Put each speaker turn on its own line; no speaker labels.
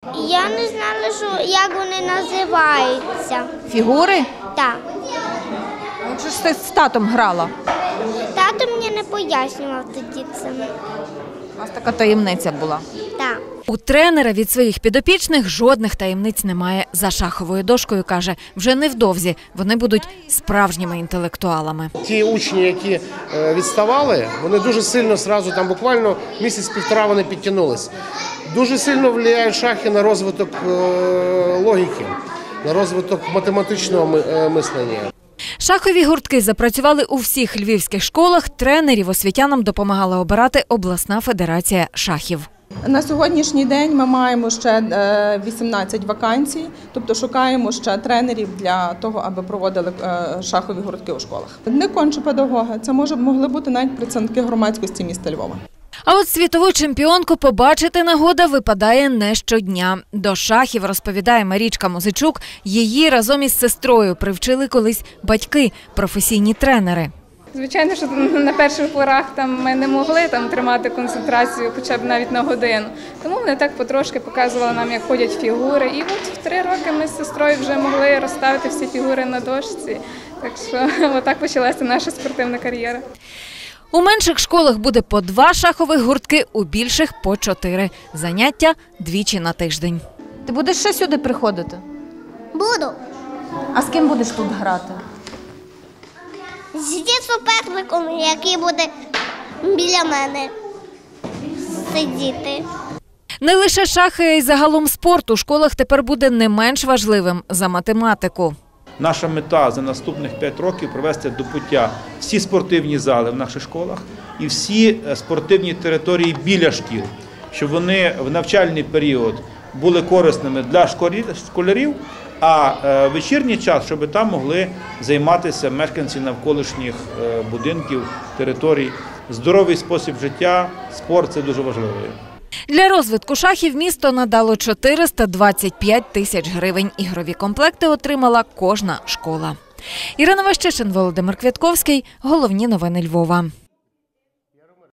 Я не знала, як вони називаються.
Фігури?
Так.
Отже ж ти з татом грала.
Тато мені не пояснював тоді це.
У вас така таємниця була.
Так.
У тренера від своїх підопічних жодних таємниць немає. За шаховою дошкою, каже, вже невдовзі вони будуть справжніми інтелектуалами.
Ті учні, які відставали, вони дуже сильно зразу, там буквально місяць-півтора вони підтягнулись. Дуже сильно впливають шахи на розвиток логіки, на розвиток математичного мислення.
Шахові гуртки запрацювали у всіх львівських школах. Тренерів освітянам допомагала обирати обласна федерація шахів.
На сьогоднішній день ми маємо ще 18 вакансій, тобто шукаємо ще тренерів для того, аби проводили шахові гуртки у школах. Не конче педагоги, це могли бути навіть представники громадськості міста Львова.
А от світову чемпіонку побачити нагода випадає не щодня. До шахів, розповідає Марічка Музичук, її разом із сестрою привчили колись батьки, професійні тренери.
Звичайно, що на перших порах ми не могли тримати концентрацію хоча б навіть на годину. Тому вони так потрошки показували нам, як ходять фігури. І от в 3 роки ми з сестрою вже могли розставити всі фігури на дошці. Так що отак почалася наша спортивна кар'єра.
У менших школах буде по 2 шахових гуртки, у більших – по 4. Заняття двічі на тиждень.
Ти будеш ще сюди приходити?
Буду.
А з ким будеш тут грати?
Зі суперником, який буде біля мене сидіти.
Не лише шахи, а й загалом спорт у школах тепер буде не менш важливим за математику.
Наша мета за наступних 5 років привести до пуття всі спортивні зали в наших школах і всі спортивні території біля шкіл, щоб вони в навчальний період були корисними для школярів, а вечірній час, щоб там могли займатися мешканці навколишніх будинків, територій. Здоровий спосіб життя, спорт – це дуже важливо.
Для розвитку шахів місто надало 425 тисяч гривень. Ігрові комплекти отримала кожна школа. Ірина Ващишин, Володимир Квятковський. Головні новини Львова.